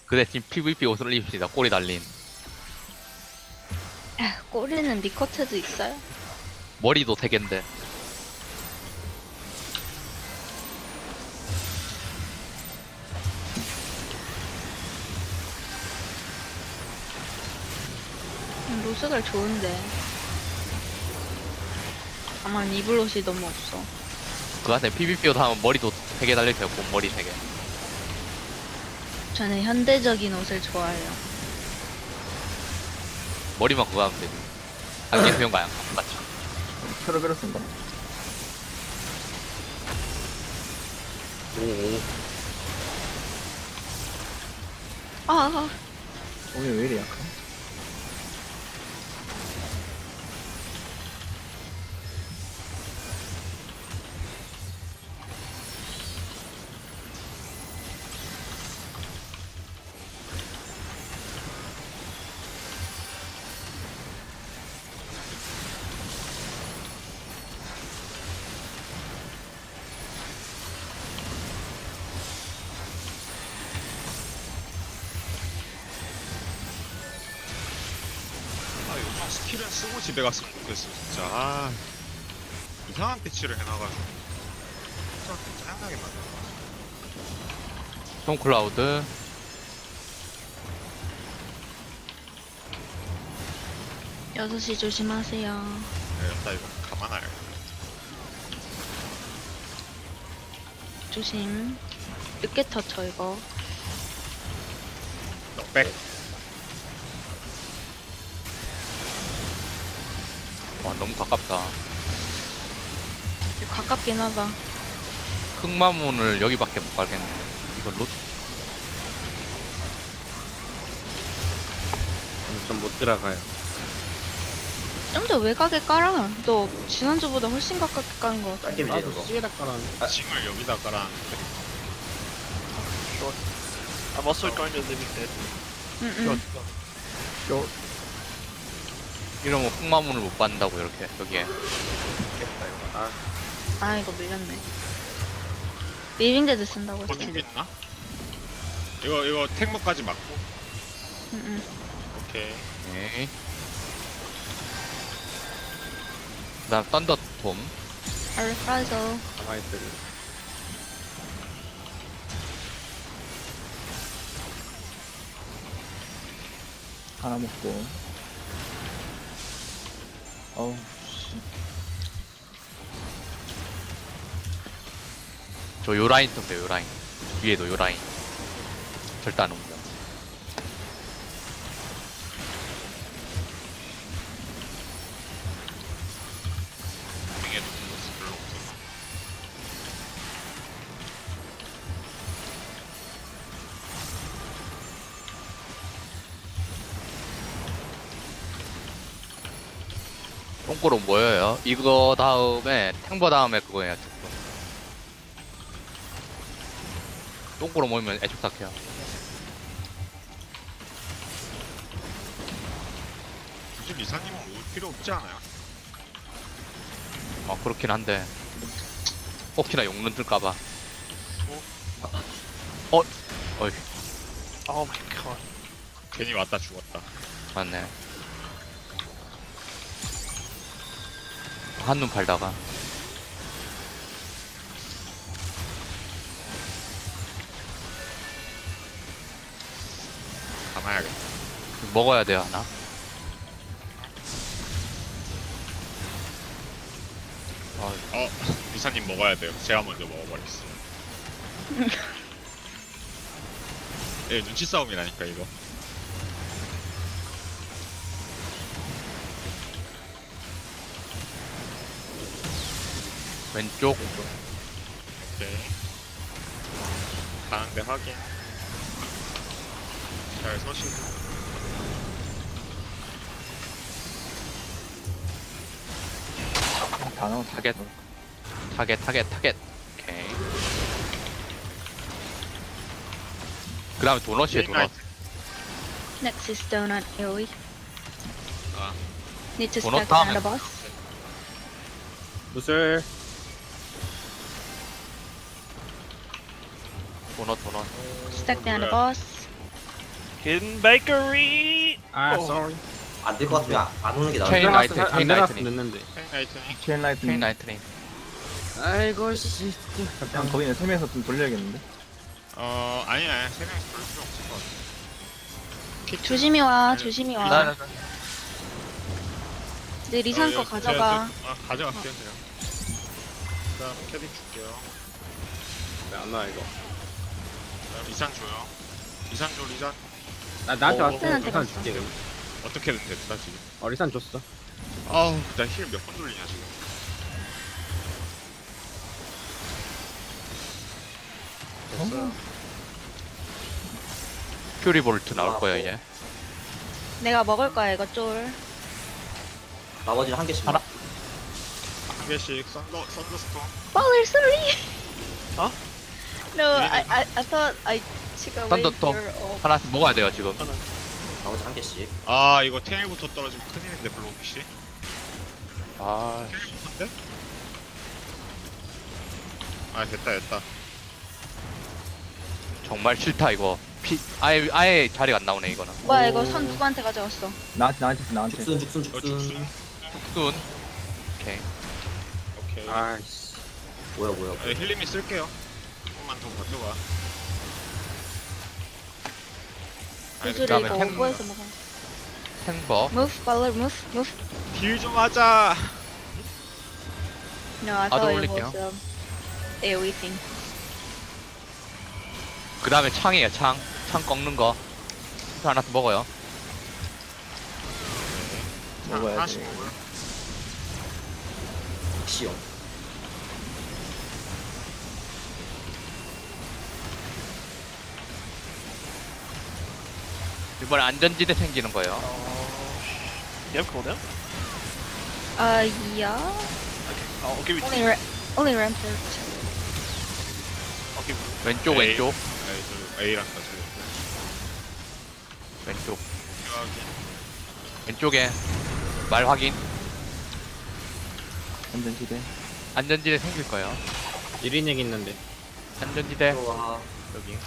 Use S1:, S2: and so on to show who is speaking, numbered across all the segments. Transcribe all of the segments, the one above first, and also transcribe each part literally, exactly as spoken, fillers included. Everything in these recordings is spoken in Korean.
S1: 그 대신 피브이피 옷을 입읍시다. 꼬리 달린.
S2: 아, 꼬리는 니커트도 있어요?
S1: 머리도 세 갠데.
S2: 음, 로스갈 좋은데. 다만 입을 옷이 너무 없어.
S1: 그 안에 피브이피 옷 하면 머리도 세 개 달려있어요. 곰머리 세 개.
S2: 저는 현대적인 옷을 좋아해요.
S1: 머리만 그거 하면 되지. 안개 수영가 양 맞죠?
S3: 페르베르스인가?
S1: 오오.
S2: 아, 아,
S3: 오늘 왜 이리 약하?
S4: 아, 요즘 스킬은 쓰고 집에 갔으면 좋겠어, 진짜. 아, 이상한 패치를 해놔가지고. 진짜 짜증나게 만들어.
S1: 톰 클라우드.
S2: 여섯 시 조심하세요.
S4: 네, 나 이거 가만 안 해.
S2: 조심. 늦게 터쳐, 이거.
S4: 넉백.
S1: 와 너무 가깝다.
S2: 가깝긴 하다.
S1: 흑마문을 여기밖에 못 가겠네. 이거 로
S5: 좀 못 들어가요.
S2: 좀 더 외곽에 깔아. 너 지난주보다 훨씬 가깝게 까는 것 같아.
S3: 짧게
S5: 나도
S3: 밀리는 거.
S5: 시에다 깔았는데.
S4: 징을 여기다 깔았는데.
S6: I'm also going to limited.
S2: 응, 응.
S3: 요,
S1: 이러면 흑마문을 못 받는다고 이렇게 여기에.
S3: 겠다 이거. 아,
S2: 아, 이거 밀렸네. 리빙데드 쓴다고 했어.
S4: 건축 있나? 이거, 이거 택모까지 맞고.
S2: 응, 응.
S4: 오케이.
S1: 오케이. 그다음 썬더톰.
S2: 알파이저.
S5: 가만히 있으리.
S3: 하나 먹고. 어우, 씨.
S1: 저 요 라인 썼어요. 요 라인. 위에도 요 라인. 절대 안 옵니다.
S4: 빙에도 플러스 별로 없어.
S1: 똥꼬로 모여요. 이거 다음에 탱버 다음에 그거예요. 똥꼬로 모이면 애촉삭해요.
S4: 굳이 리사님은 올 필요 없지 않아요?
S1: 아 그렇긴 한데 혹시나 용론 뜰까봐. 어? 어이
S6: Oh my god.
S4: 괜히 왔다 죽었다.
S1: 맞네. 한눈 팔다가
S4: 가만야겠다.
S1: 먹어야 돼요 하나. 어,
S4: 어, 리사님 먹어야 돼요. 제가 먼저 먹어버렸어. 예, 눈치 싸움이라니까, 이거.
S1: 왼쪽
S4: 오케이. 가는데 확인. 잘 서시고.
S3: 다 나온
S1: 타겟 타겟 타겟 타겟. 오케이. 그 다음에 도넛이에요 도넛.
S2: Next is donut AoE.
S4: 아,
S2: Need to
S1: Donut
S2: stack down the
S1: 다음에-
S2: boss.
S5: 무술.
S1: 도넛 도넛.
S2: Stack down the
S4: 뭐야.
S2: boss.
S6: Hidden bakery.
S3: 아,
S6: 어.
S3: sorry.
S5: 안 될 것 같으면 안- 안 오는 게 나을
S1: 체인
S5: 것 같아.
S1: 라이트, 체인
S3: 안 들어갔으면
S1: 라이트닝.
S3: 됐는데.
S4: 라이트닝.
S3: 체인 라이트.
S1: 체인 라이트닝.
S3: 아이고 씨. 그냥 거기는 세 명이서 좀 돌려야겠는데.
S4: 어 아니 아니 세 명이서 별로 필요 없을 것 같아. 키트.
S2: 조심히 와,
S4: 아니,
S2: 조심히
S1: 나,
S2: 와.
S1: 나, 나.
S2: 내 리산
S4: 어,
S2: 거
S4: 예,
S2: 가져가.
S4: 제가 좀- 아 가져갈게요 제가. 그다음 캐릭 줄게요.
S3: 안 나와 이거.
S4: 그다음 리산 줘요. 리산 줘 리산.
S3: 나 나한테
S4: 어,
S3: 왔어.
S2: 어,
S3: 리산
S2: 어.
S3: 줄게. 그럼.
S4: 어떻게든 됐다 지금.
S3: 어 리산 줬어.
S4: 아우 나 힐 몇 번 돌리냐 지금. 됐어요.
S1: 퓨리 볼트 나올 거야 이제.
S2: 내가 먹을 거야, 이거 쫄.
S5: 나머지는 한 개씩.
S1: 하나.
S4: 한 개씩 썬더 썬더스톰.
S2: Baller, sorry.
S6: Huh?
S2: No, I, I, I thought I took away
S1: Thunderstorm.
S2: your ult.
S1: 하나씩 먹어야 돼요 지금.
S5: 나머지 한 개씩.
S4: 아 이거 테일부터 떨어지면 큰일인데 블로우피시.
S1: 아,
S4: 테일부터인데? 아 됐다 됐다.
S1: 정말 싫다 이거. 피, 아예 아예 자리가 안 나오네 이거는.
S2: 뭐야, 이거 선 누구한테 가져갔어?
S3: 나한테 나한테 줘, 나한테.
S5: 죽순 죽순
S4: 어
S5: 죽순.
S4: 죽순.
S1: 뚝순. 오케이.
S4: 오케이.
S3: 아이씨.
S5: 뭐야 뭐야.
S4: 네, 힐림이 쓸게요. 조금만 더 버텨봐. 아니,
S2: 구슬을
S1: 그다음에
S2: 이거
S1: 탱-
S2: 오버해서 먹어.
S1: 탱버.
S2: Move, Baller, move, move.
S4: 딜좀 하자.
S2: No, I
S1: 나도
S2: thought it
S1: 올릴게요.
S2: was um, AoE thing.
S1: 그 다음에 창이에요 창. 창 꺾는 거. 하나씩 먹어요.
S4: 자,
S3: 먹어야
S4: 하나씩
S3: 돼.
S4: 먹어요.
S5: 시험.
S1: 이번에 안전지대 생기는 거예요.
S6: You have cooldown?
S2: Uh, yeah.
S6: Okay, I'll give you.
S2: Only, ra only rampart.
S6: I'll give you.
S1: 왼쪽
S4: 에이.
S1: 왼쪽
S4: 아니 저 A랑 같이.
S1: 왼쪽
S4: 필요하긴.
S1: 왼쪽에 말 확인.
S3: 안전지대.
S1: 안전지대 생길 거예요.
S3: 일 인액 있는데.
S1: 안전지대
S5: 와.
S1: 여기.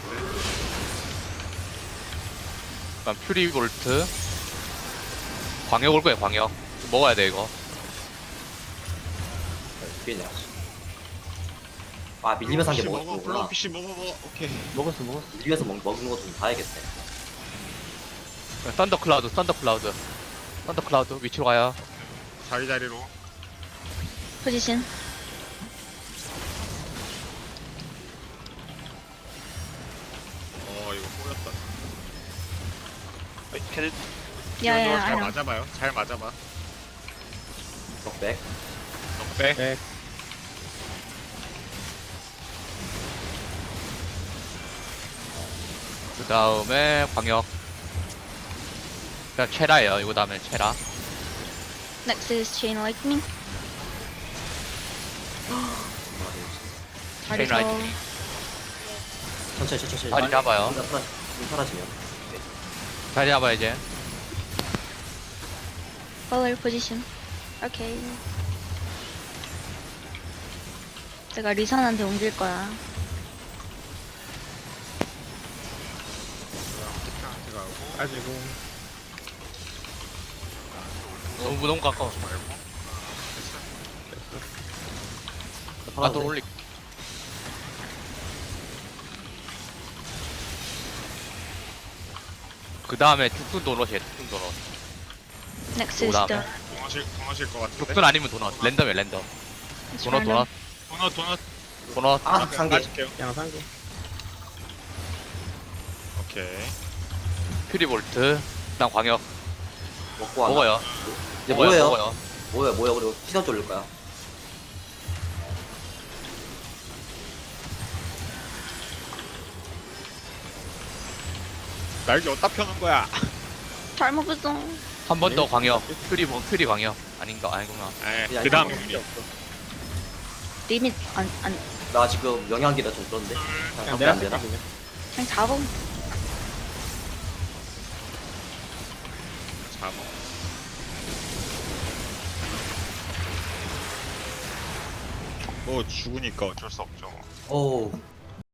S1: 그다음 퓨리 볼트. 광역 올 거예요 광역. 먹어야 돼 이거.
S5: 뒤에 아 밀리면서 한 개
S4: 먹어.
S5: 먹었구나.
S4: 블로우피시 먹어 먹어. 오케이.
S3: 먹었어 먹었어.
S5: 밀리면서 먹, 먹는 것도 좀 봐야겠네.
S1: 썬더 클라우드 썬더 클라우드. 썬더 클라우드 위치로 가요.
S4: 자리 자리로.
S2: Position.
S4: 어 이거 꼬였다.
S6: Wait, can it?
S2: Yeah, yeah, I
S4: 잘
S2: know.
S4: 맞아봐요. 잘 맞아봐.
S5: 넉백.
S4: 넉백.
S3: 백.
S1: 그 다음에 광역. 그냥 체라예요. 이거 다음에 체라.
S2: Next is Chain Lightning.
S1: Chain
S2: 다리서
S1: Lightning.
S5: 천천히 천천히.
S1: 자리 잡아요.
S5: 혼자 사라, 좀 사라지면.
S1: 자리 잡아 이제.
S2: Baller position. Okay. 제가 리산한테 옮길 거야.
S4: 그다음 키트한테 가고.
S3: 가지고.
S1: 너무 너무 가까워.
S4: 말고. 됐어.
S1: 나도 올리. 그 다음에 죽순 도넛이에요. 죽순 도넛.
S2: Next is
S1: 오다음에.
S2: the
S4: 동하실 동하실 것 같은데.
S1: 죽순 아니면 도넛. 랜덤이에요 랜덤.
S2: it's
S1: 도넛
S2: random.
S1: 도넛
S4: 도넛 도넛.
S1: 도넛.
S5: 아, 한 개.
S4: 맞을게요.
S3: 그냥 산 개.
S4: 오케이.
S1: 퓨리 볼트. 그다음 광역.
S5: 먹고 와.
S1: 먹어요.
S5: 이제
S1: 먹어요,
S5: 뭐예요?
S1: 먹어요.
S5: 뭐야 뭐야 그리고 시선 돌릴 거야.
S4: 날개 어디다 펴는 거야?
S2: 잘 먹었어.
S1: 한 번 더 광역. 퓨리 뭐 퓨리 광역. 아닌가 아니구나.
S4: 에, 그 다음에 우리.
S2: 리밋 안, 안,
S5: 나 지금 영양기가 좀 그런데.
S3: 그냥
S5: 그냥
S3: 내가
S5: 안 되나?
S3: 쓸게, 그냥.
S2: 그냥 잡음.
S4: 잡아. 뭐 죽으니까 어쩔 수 없죠.
S5: 오.